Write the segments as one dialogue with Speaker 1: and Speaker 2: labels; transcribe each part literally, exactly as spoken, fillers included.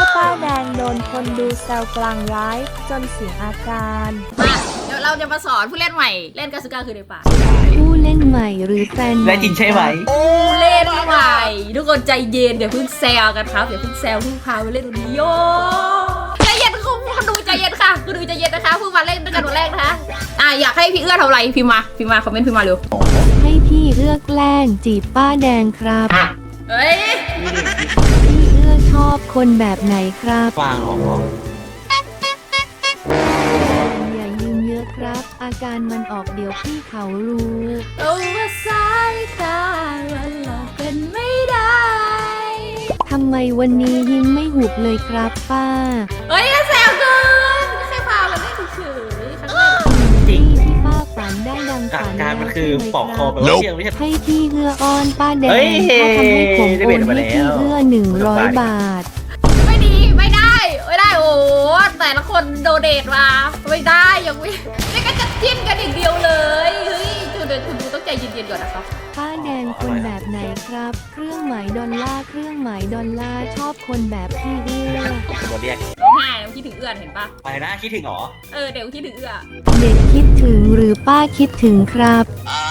Speaker 1: ป้าแดงโดนคนดูแซวกลางไลฟ์จนเสียอาการ
Speaker 2: มาเดี๋ยวเราจะมาสอนผู้เล่นใหม่เล่นกาซูก้าคือในป่า
Speaker 1: ผู้เล่นใหม่หรือแฟนใหม่
Speaker 3: และจริงใช่ไหม
Speaker 2: ผู้เล่นใหม่ทุกคนใจเย็นเดี๋ยวเพิ่งแซวกันครับเดี๋ยวเพิ่งแซวเพิ่งพาไปเล่นตรงนี้โยใจเย็นคุณคุณดูใจเย็นค่ะคุณดูใจเย็นนะคะเพิ่งมาเล่นด้วยกันวันแรกนะคะอ่ะอยากให้พี่เอื้อทำอะไรพิมพ์มาพิมพ์มาคอมเมนต์พิมพ์มาเร็ว
Speaker 1: ให้พี่เอื้อแกล้งจีบป้าแดงครับ
Speaker 2: เฮ้ย
Speaker 1: พี่เอื้อชอบคนแบบไหนครับ
Speaker 3: ฟังออก
Speaker 1: อย่ายืมเยอะครับอาการมันออกเดี๋ยวพี่เขารู้
Speaker 2: ตัวสายตาวันหลอกกันไม่ได้
Speaker 1: ทำไมวันนี้ยิ้มไม่หุบเลยครับป้า
Speaker 2: เฮ้ยแซวเกินแค่พาเราเล่นเฉยๆครั้งแรก
Speaker 3: จริง
Speaker 1: ที่ป้าฝันได้ดังฝัน
Speaker 3: การมันคือปอกคอแบบว่าเชี่ยงไม่ใช่
Speaker 1: ให้พี่เอื้ออ้อนป้าแดงถ้าทำให้ผมโอนให้พี่เอื้อหนึ่งร้อยบาท
Speaker 2: ไม่ดีไม่ได้ไม่ได้โอ้แต่ละคนโดเดทมาไม่ได้ยังไม่ไม่ก็จะจิ้นกันอีกเดียวเลยเฮ้ยจุดเด่นคุณดูต้องใจเย็นๆก่อนนะครับ
Speaker 1: ป้าแดงคนแบบไหนครับเครื่องหมายดอลลาร์เครื่องหมายดอลลาร์ชอบคนแบบพี่เอื้อ
Speaker 3: ตัวเรียก
Speaker 2: ร้องไห้คิดถึงเอื้อเห็นปะ
Speaker 3: อะไรนะคิดถึงหรอ
Speaker 2: เออเดี๋ยวคิดถึงเอื้อ
Speaker 1: เด็กคิดถึงหรือป้าคิดถึงครับ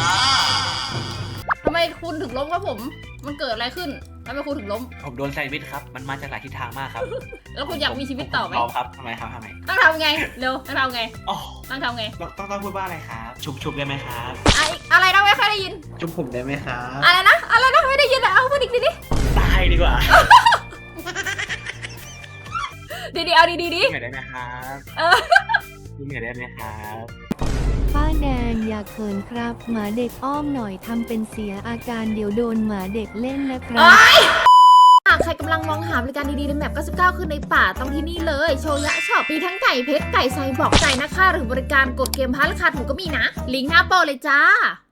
Speaker 2: ทำไมคุณถึงล้มครับผมมันเกิดอะไรขึ้นทำไมคุณถึงล้ม
Speaker 3: ผมโดนแซนด์วิชครับมันมาจากหลายทิศทางมากครับ
Speaker 2: แล้วคุณอยากมีชีวิตต่อไหม
Speaker 3: พร้อมครับทำไมครับทำไม
Speaker 2: ต้องทำไงเร็วต้องทำไงต้องทำไง
Speaker 3: ต้องต้องพูดว่าอะไรครับชุบชุบได้ไหมครับ
Speaker 2: อะไรนะไม่ค่อยได้ยิน
Speaker 3: ชุบผมได้ไหมครับ
Speaker 2: อะไรนะอะไรนะไม่ได้ยินอ่ะเอาพูดอีกทีดิ
Speaker 3: ตายดีกว่า
Speaker 2: ดีดีเอาดีดีดิ
Speaker 3: เหนื่อยได้ไหมครับเออเหนื่อยได้ไหมครับ
Speaker 1: ป้าแดงอย่าเขินครับหมาเด็กอ้อมหน่อยทำเป็นเสียอาการเดี๋ยวโดนหมาเด็กเล่นนะครับ
Speaker 2: หากใครกำลังมองหาบริการดีๆในแมปเก้าสิบเก้าคือในป่าต้องที่นี่เลยโชยะช็อปมีทั้งไก่เพชรไก่ไซบอกไก่นะคะหรือบริการกดเกมพาราคาถูกก็มีนะลิงก์หน้าโปรเลยจ้า